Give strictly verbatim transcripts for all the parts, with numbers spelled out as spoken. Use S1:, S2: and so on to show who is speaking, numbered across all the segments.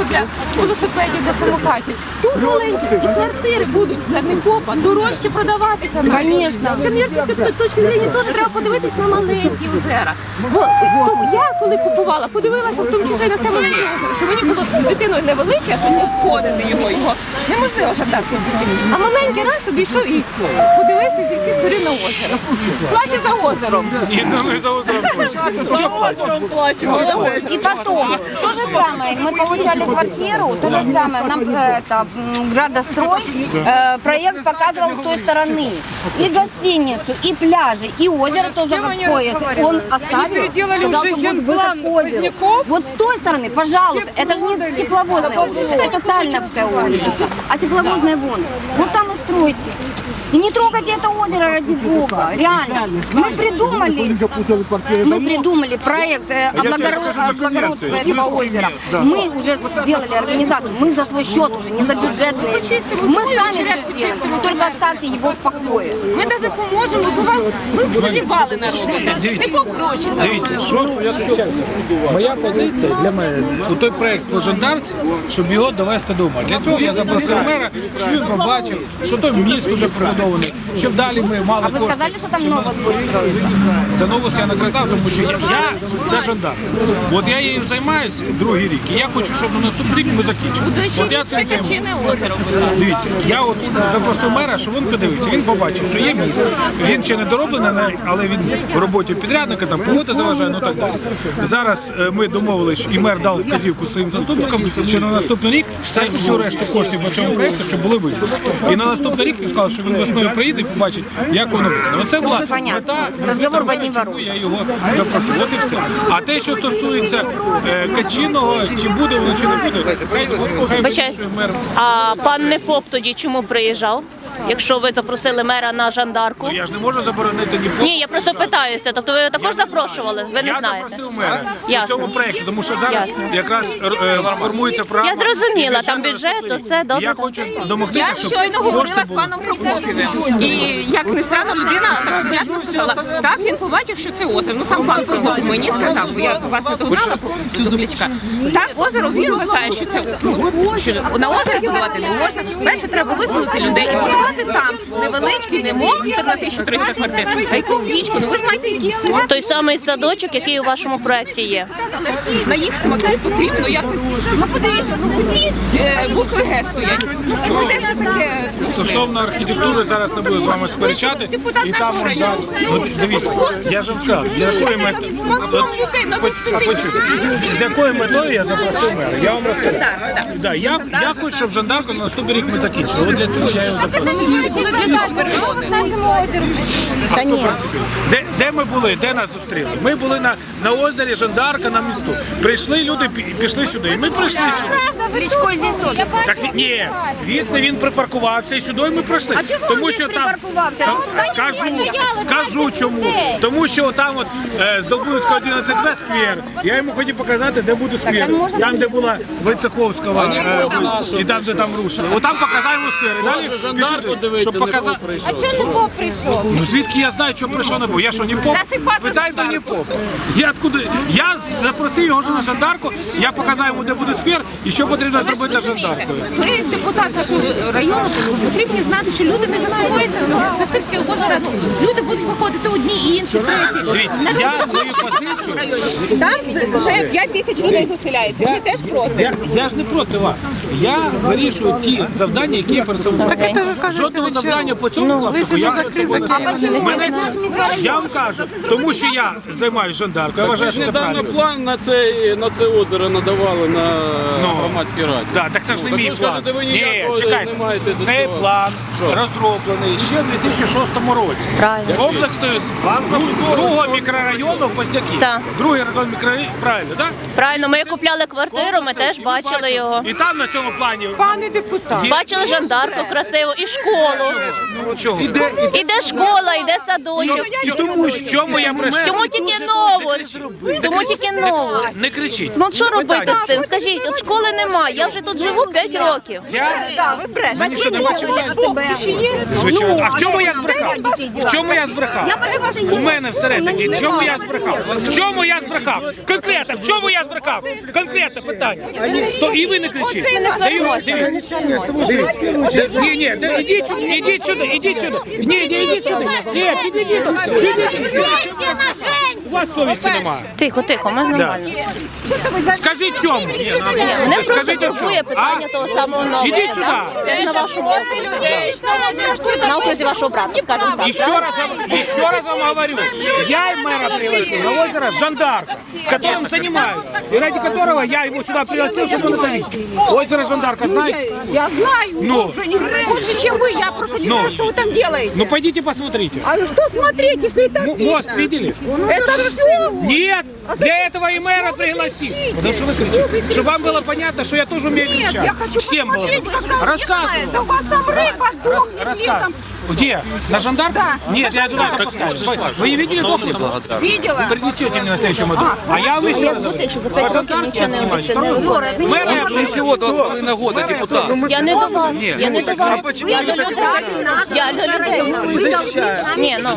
S1: для велосипедів, для самокатів. Тут маленькі і квартири будуть для Непопа дорожче продаватися.
S2: Конечно.
S1: З комерційної точки зору теж треба подивитись на маленькі озера. Бо то я коли купувала, подивилася в тому числі на це маленьке озеро, що мені було з дитиною невелике, що не входити його, його неможливо жадати. А маленький раз обійшов і подивився зі всіх сторін на озеро. Плаче за озером.
S3: Ні, ну не за озером плаче. Що плаче?
S2: И потом, то же самое, мы получали квартиру, то же самое, нам э, это, м, градострой, э, проект показывал с той стороны. И гостиницу, и пляжи, и озеро тоже Горское. Он оставил, сказал, что будет выход к озеру. Вот с той стороны, пожалуйста, это же не тепловозная улица, это Тальновская улица, а тепловозная вон. Вот там и стройте. И не трогайте это озеро, ради Бога, реально. Мы придумали, мы придумали проект э, облагоро- облагородства этого озера. Мы уже сделали организацию, мы за свой счет уже, не за бюджетные. Мы сами все сделаем, только оставьте его в покое.
S1: Ми навіть поможемо, бо вам ви б залівали народу. Не по гроші
S3: Дивіться, що моя позиція для мене у той проект по жандарці, щоб його довести до ума. Для цього я запросив мера, щоб він побачив, що той міст вже прибудований, щоб далі ми мали
S2: А вы
S3: кошти.
S2: сказали, что там новое будет строиться?
S3: За новость я наказав, тому що я, я за жандарм. От я її займаюся другий рік, і я хочу, щоб на наступний рік ми закінчили. От я цим займаюся.
S1: Качине озеро.
S3: Дивіться, я от запросив мера, щоб він подивився. Він побачив, що є місце. Він ще не дороблений, але він в роботі підрядника, там погода заважає, ну так далі. Зараз е, ми домовились, і мер дав вказівку своїм заступникам, що на наступний рік все, всю решту коштів по цьому проєкту, щоб були виділені. І на наступний рік він сказав, що він весною приїде і побачить, як воно буде. Оце була мета,
S2: Розговор в одні
S3: чому я його запросив. От і все. А те, що стосується е, Качиного, чи буде воно, чи не буде, хай, хай вирішує мер.
S4: А пан Непоп тоді чому приїжджав? Якщо ви запросили мера на жандарку?
S3: Ну, я ж не можу заборонити ні по.
S4: Ні, я просто питаюся. Тобто ви також запрошували? Ви не
S3: Я
S4: знаєте?
S3: запросив мера у
S4: Ясно.
S3: цьому проєкті, тому що зараз
S4: Ясно.
S3: якраз е, формується програма.
S4: Я зрозуміла,
S3: і
S4: там бюджет, то все добре.
S3: Я хочу домогтися,
S1: Я
S3: щоб
S1: щойно
S3: кошти
S1: говорила з
S3: були.
S1: паном Прокоф'євим. І як не странно, людина так внятно сказала. Так, він побачив, що це озеро. Ну сам пан Прокоф'єв мені сказав, бо я вас не догнала до Кличка. Так, озеро, він вважає, що це ну, що на озері будувати не можна. Перше, треба виселити людей і будувати там невеличкий, не монстр на тисячу триста квартир, а якусь свічку. Ну ви ж маєте якийсь смак.
S4: Той самий садочок, який у вашому проєкті є.
S1: Але на їх смаки потрібно якось. Ну подивіться, ну одні е, букви Г стоять. Ну і де це таке?
S3: Стосовно архітектури зараз не буду з вами сперечатись.
S1: Депутат
S3: І там,
S1: нашого
S3: да,
S1: району.
S3: от дивіться, я ж вам сказав, з якою метою, з якою метою я запросив мера. Я вам розкажу. Да, я, я хочу, щоб жандарку на наступний рік ми закінчили. От для цього я його запросив.
S2: Да нет.
S3: Де, де ми були? Де нас зустріли? Ми були на, на озері Жандарка на місту. Прийшли люди, пі- пішли сюди. І ми прийшли сюди.
S2: Речко здесь тоже.
S3: Так він- ні, звідси він припаркувався і сюди ми прийшли.
S2: А чого
S3: Тому
S2: він
S3: що там
S2: припаркувався?
S3: там-
S2: Що туди
S3: скажу,
S2: ніхто не їхав?
S3: скажу чому. Тому що там от е, з Долбунського одинадцять Б сквер. Я йому хотів показати, де буде сквер.
S2: там можна
S3: Там, де була Войцеховського е, і там, де там рушили. Отам показаємо сквер. І далі пішли, щоб показати.
S1: А чого не Бог прийшов?
S3: Ну звідки я знаю, що прийшов не був? Я що, не поп?
S1: Засипати
S3: Питай до
S1: Жандарку.
S3: не поп. Я откуда? Я запросив його вже на Жандарку, я показав йому, де буде сквер і що потрібно зробити з Жандаркою.
S1: Ви, депутат нашого району, потрібні знати, що люди не заспокоїться на цирки озера. Люди будуть виходити одні, інші, треті.
S3: Дивіться,
S1: На
S3: я
S1: всіх
S3: свою
S1: нашому
S3: позицію-
S1: районі. Там вже п'ять тисяч людей заселяється. Вони теж проти.
S3: Я, я ж не проти вас. Я вирішую ті завдання, які я перед собою маю. Жодного завдання по цьому клаптику я перед собою не ставлю. Мене це- Я вам кажу, тому що я займаюся Жандаркою, я вважаю, що це
S5: Недавно
S3: правильно.
S5: план на це, на це озеро надавали на
S3: Ну,
S5: громадській раді.
S3: Так, так це ж не
S5: Ну,
S3: мій
S5: так ви ж
S3: план.
S5: кажете, ви
S3: Ні,
S5: ніякого
S3: чекайте,
S5: не маєте до
S3: цей
S5: цього.
S3: план
S5: Що?
S3: розроблений ще в дві тисячі шостому році.
S4: Правильно.
S3: Комплексною з другого мікрорайону Поздяки.
S4: Так.
S3: Другий район мікрорайону, правильно, так?
S4: Правильно, ми купляли квартиру, ми теж бачили його.
S3: І там на цьому плані
S1: Пане депутат.
S3: є-
S4: Бачили жандарку красиву і школу.
S3: Ну, чого?
S4: Іде школа, іде садочок.
S3: І тому що чому я прийшов?
S4: Чому тільки новость? Чому тільки новость?
S3: Не кричіть.
S4: Ну от що робити
S3: Питання.
S4: з тим? Скажіть, от школи немає, я вже тут живу п'ять років.
S3: Я
S1: Так, ви брешете.
S3: Мені що, не бачив?
S2: АТБ.
S3: Звичайно. А в
S2: Ну,
S3: чому
S2: а
S3: я
S2: де
S3: збрехав?
S2: дітей
S3: В чому я збрехав?
S2: Я почему-то
S3: У мене всередині. В чому я
S2: не
S3: збрехав? В чому я збрехав? Конкретно, в чому я збрехав? Конкретно питання. То і ви не кричіть. Даю, дивіться. Дивіться. Ні, ні, да, ідіть сюди, ідіть сюди, ідіть сюди. Ні, ні, ідіть сюди. Ні, підійдіть. Підійдіть. У вас совісті немає.
S4: Тихо, тихо, ми нормально.
S3: Скажіть чому?
S4: Мене просто
S3: Скажіть, в чому?
S4: турбує питання того самого нового.
S3: Ідіть сюди.
S4: Це ж на вашому окрузі. На окрузі вашого брата, скажімо так.
S3: Еще раз, еще раз вам говорю, я и мэра пригласил на озеро Жандарк, которым занимаюсь, и ради которого я его сюда пригласил, чтобы он это видел. Озеро Жандарка, знаете?
S1: Я знаю,
S3: Ну.
S1: уже не знаю больше, чем вы. Я просто не
S3: Ну.
S1: знаю, что вы там делаете.
S3: Ну пойдите посмотрите.
S1: А что смотреть, если там
S3: М- мост видели?
S1: это все?
S3: Нет, для этого и мэра пригласил. Потому что вы кричите. Чтобы вам было понятно, что я тоже умею
S1: Нет,
S3: кричать.
S1: я хочу
S3: Всем было.
S1: посмотреть, какая
S3: Рассказываю.
S1: это. У вас там рыба дохнет
S3: Рассказываю.
S1: летом.
S3: Где? На Жандарк?
S1: Да.
S3: Нет, я туда запускаю. Вы не видели дохлый?
S1: Видела?
S3: Вы принесете мне на следующем году. А я вам еще раз говорю.
S4: Якщо за п'ять років нічого не обіцяли.
S3: Мэр,
S6: Всего два с половиной года депутат.
S4: Я не до вас, я не до вас. Я до людей. Я до людей. Ні, ну.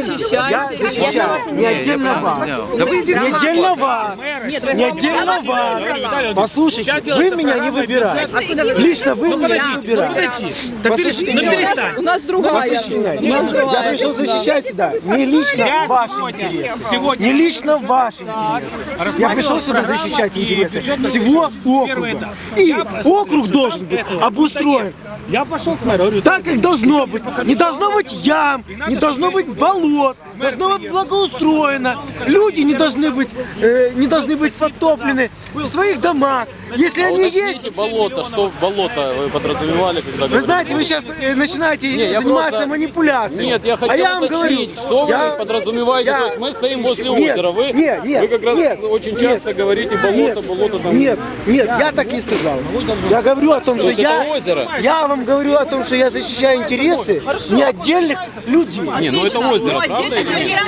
S4: Я за вас
S7: Не отдельно вас. Не отдельно вас. Не отдельно вас. Послушайте, вы меня не выбираете. Лично вы меня не
S3: Ну
S7: выбираете.
S3: подожди, да перестань, ну перестань.
S1: У нас другая.
S7: Послушайте, я пришел защищать сюда не лично
S3: Я
S7: ваши
S3: сегодня,
S7: интересы.
S3: сегодня
S7: Не лично ваши интересы. Я пришел сюда защищать интересы всего округа. И округ должен быть обустроен
S3: я пошел к мэру, говорю,
S7: так, как должно быть. Не должно быть ям, не должно быть болот, должно быть благоустроено. Люди не должны быть, э, не должны быть подтоплены в своих домах. Если они есть,
S5: Уточните болото, что в болото вы подразумевали, когда
S7: вы
S5: говорили?
S7: знаете, вы сейчас э, начинаете
S5: я
S7: заниматься
S5: просто-
S7: манипуляцией.
S5: Нет, я хотел
S7: а я вам говорю,
S5: уточнить, что
S7: я-
S5: вы подразумеваете.
S7: я-
S5: То есть мы стоим возле
S7: Нет,
S5: озера, вы,
S7: нет, нет,
S5: вы как раз
S7: нет,
S5: очень
S7: нет,
S5: часто говорите болото,
S7: Нет,
S5: болото там.
S7: нет, нет, я так не сказал. Я говорю о том, что
S5: есть это
S7: я,
S5: озеро?
S7: я вам говорю о том, что я защищаю интересы не отдельных людей.
S5: Не, ну это озеро, правда или нет?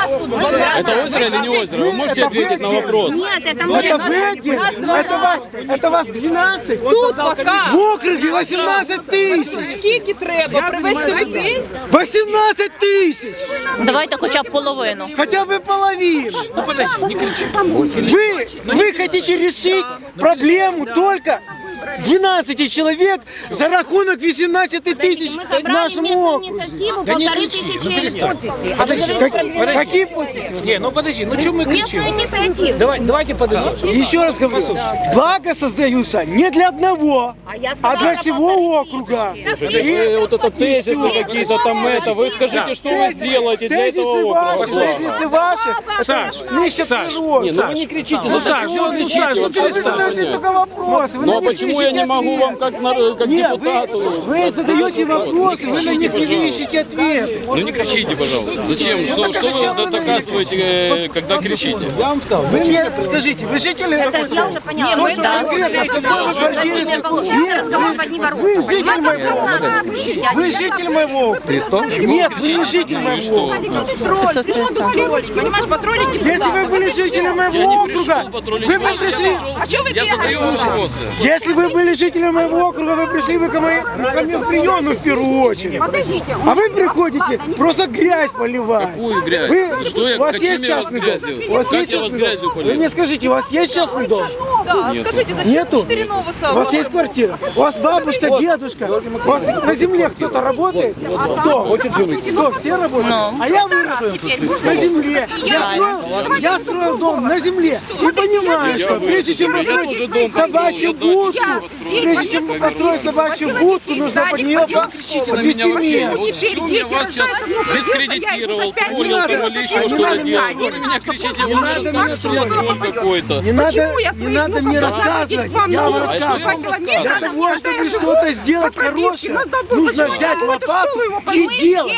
S5: Это озеро или не озеро? Вы можете
S7: Это
S5: ответить на
S7: вы
S5: вопрос?
S2: Нет, это
S7: Ну, это вы один, это вас, это вас двенадцать.
S1: Тут пока.
S7: В округе восемнадцать тысяч.
S1: Скільки треба привезти людей?
S7: восемнадцать тысяч.
S4: Давайте хоча б половину.
S7: Хотя бы половину.
S3: ну подожди, не кричи.
S7: Вы, вы хотите решить проблему только двенадцати человек за рахунок восемнадцати тысяч
S2: Мы
S7: в
S2: собрали
S7: нашем
S2: местную
S7: округе.
S2: инициативу,
S3: Да не
S2: полторы
S3: кричи, ну
S2: тысячи
S3: перестань.
S2: подписей. А вы говорите,
S7: Какие, какие подписи?
S3: Не, ну подожди, ну что мы кричим?
S2: местную инициативу.
S3: Давай, давайте подумаем.
S7: Еще раз говорю, блага создаются не для одного,
S2: А я
S7: а
S2: сказала,
S7: для
S2: что
S7: всего округа.
S5: Вы вот это тезисы какие-то там это, вы скажите, что вы сделаете для этого
S7: Тезисы ваши,
S5: округа?
S7: тезисы ваши,
S3: Саш,
S7: нища
S3: Саш,
S7: природа.
S5: Не, ну вы не кричите, ну
S3: Саш,
S5: почему вы
S3: ну,
S5: кричите?
S3: Саш, ну,
S5: вообще?
S7: А вы задаете только вопросы. Вы
S5: Ну
S7: на
S5: а
S7: них
S5: почему я
S7: ищете
S5: не могу
S7: ответ.
S5: вам как, на- как
S7: Нет,
S5: депутату?
S7: вы, вы задаете вопросы, вы на них не ищете ответ.
S5: Ну не кричите, пожалуйста. Зачем? Что,
S7: так а
S5: что
S7: зачем
S5: вы
S7: вы на
S5: доказываете, э, когда кричите?
S3: я вам сказал,
S7: Вы мне скажите, вы жители
S2: Это
S7: какой-то?
S2: я уже поняла.
S7: Ну,
S2: Вы,
S7: что
S2: да.
S7: конкретно, с какой вы квартиры?
S2: Например, получается разговор в одни ворота.
S7: Вы житель
S2: Понимаете,
S7: моего
S2: как надо слышать, а
S7: Вы
S2: не
S7: житель моего округа. Нет, вы не житель моего округа.
S4: пятьсот пятьдесят.
S1: Понимаешь, патрулить
S7: Если вы были жителем моего округа, вы бы пришли...
S1: А что вы
S5: Я задаю вопросы.
S7: Если вы были жителем моего округа, вы пришли бы ко, моей, ко мне в прием в первую очередь.
S1: Подождите.
S7: А вы приходите, просто грязь поливать.
S5: Какую грязь?
S7: Вы,
S5: Что я-
S7: у вас
S5: какими
S7: есть
S5: я вас
S7: частный
S5: грязью?
S7: дом? У вас
S5: Как
S7: есть
S5: я вас
S7: частный
S5: грязью
S7: дом?
S5: полил?
S7: Вы мне скажите, у вас есть частный дом?
S1: Да, скажите, зачем
S7: Нету?
S1: четыре новоса?
S7: У вас есть квартира? У вас бабушка, дедушка? У вас на земле кто-то работает? Кто? Кто? Все работают? А я вырос на земле. Я строил, я строил дом на земле. И понимаю, что прежде чем построить собачью будку, прежде чем построить собачью будку, нужно под нее
S5: Кричите на меня вообще. Вот в чем я вас сейчас дискредитировал, троллил там или еще что-то делал. Вы на меня кричите, вы мне рассказываете, что я тролль какой-то.
S7: Не надо, не надо мне рассказывать, я вам
S5: А что я вам
S7: рассказываю.
S5: рассказываю?
S7: Для того, чтобы что-то сделать хорошее, нужно взять лопату и делать.
S1: Сделали.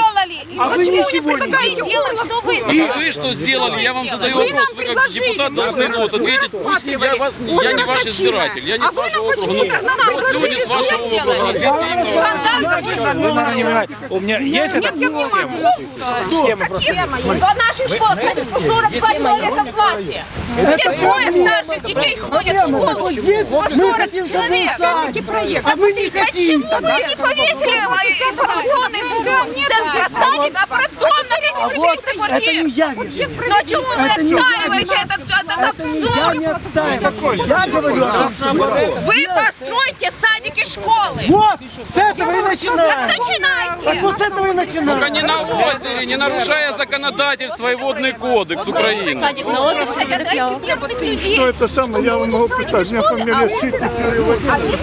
S7: А вы
S1: Почему
S7: ничего не
S1: предлагаете делать, что вы
S5: А вы что сделали? Я вам задаю вопрос. Вы как депутат должны ну, вот, ответить. Пусть я, вас, я не ваш избиратель, я не с вашего округа. Ну, вот люди с вашего округа. Ответьте им на вопрос.
S3: У меня есть этот
S1: Схема. В наших школах по сорок два человека в классе. Где двое старших детей ходят в школу.
S7: Вот здесь
S1: По
S7: мы
S1: сорок
S7: хотим, чтобы был
S1: человек.
S7: садик, а вы не хотите.
S1: Почему вы не повесили информационный стенд для садика, а потом на тысячу четыреста
S7: Это
S1: квартир?
S7: не я вижу.
S1: Но чего вы
S7: Это не я
S1: отстаиваете этот, этот
S7: Это не я
S1: обзор?
S7: не отстаиваю. Я говорю о том, что наоборот.
S1: Вы постройте садики, школы.
S7: Вот, с этого и
S1: Так
S7: начинаем. Так
S1: начинайте.
S7: вот с этого и начинаем.
S5: Только не на озере, не нарушая законодательство и водный кодекс Украины.
S4: Садик на озере,
S8: Что это самое, я вам могу писать. У меня фамилия Ситник Юрий Владимирович.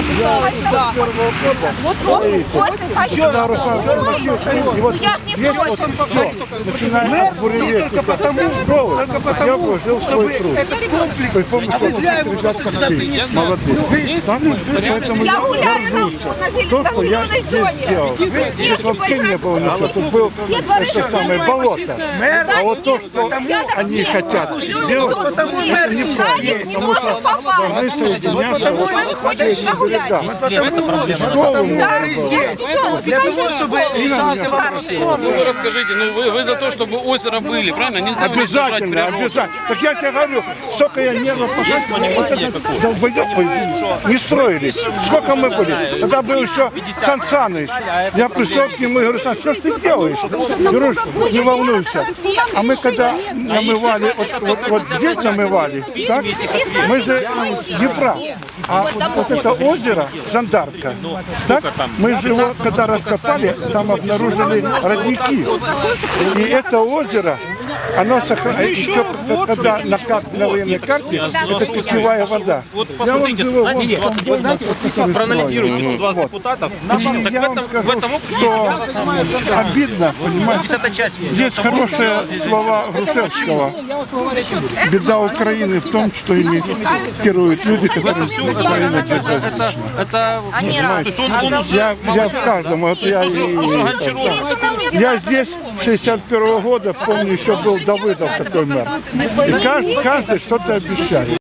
S1: Вот он после садика.
S8: И вот
S1: Я ж не
S8: здесь вот
S1: против.
S8: все, начиная от буревестника, школы, я вложил свой труд. Вы помните,
S7: А вы зря его
S8: ребята
S7: просто сюда
S8: такие
S7: принесли.
S8: молодые. Там, поэтому
S1: Я
S8: я
S1: гуляю на,
S8: горжусь.
S1: на,
S8: То,
S1: на
S8: что я
S1: зеленой
S8: здесь
S1: зоне.
S8: сделал. Здесь вообще не было ничего. Тут был это самое болото. А вот то, что они хотят сделать,
S7: Потому
S8: это
S7: мэр
S8: неправильно. Потому что должны соединяться вот эти берега. Школу
S1: Да,
S8: можно было.
S1: я сделала,
S7: для того, чтобы решался вопрос.
S5: Ну вы расскажите, ну вы, вы за то, чтобы озеро были, правильно? Нельзя его держать
S8: Обязательно,
S5: природу.
S8: обязательно. Так я тебе говорю, сколько я нервно потратил, вот этот долбоёб не строили. Сколько мы были? Тогда был еще Сан Саныч. Я пришел к нему и говорю: Сан, что ж ты делаешь? Говорю, не волнуйся. А мы когда намывали, вот, вот, вот здесь намывали, так? Мы же Днепра. А вот, вот это озеро, Жандарка, так? Мы же его, когда раскопали, там обнаружили родники. И это озеро, оно сохраняется, еще когда на карте, на военной карте, это питьевая вода.
S9: Вот
S8: Я вам
S9: посмотрите,
S8: живу,
S9: знаете,
S8: вот
S9: вот,
S8: там
S9: знаете, вот, проанализируйте сто двадцать
S8: Вот.
S9: депутатов.
S8: И
S9: Так
S8: я
S9: в
S8: вам
S9: этом, в
S8: скажу,
S9: этом
S8: что обидно, понимаете,
S9: десятая часть.
S8: здесь хорошие слова Грушевского. Беда Украины в том, что ими керуют люди, которые Украина держат.
S9: Это, это, то есть он, он уже
S8: Я, я в каждом, вот я и... Я здесь с шестьдесят первого года, помню, еще был Давыдов такой мэр. И каждый, каждый что-то обещали.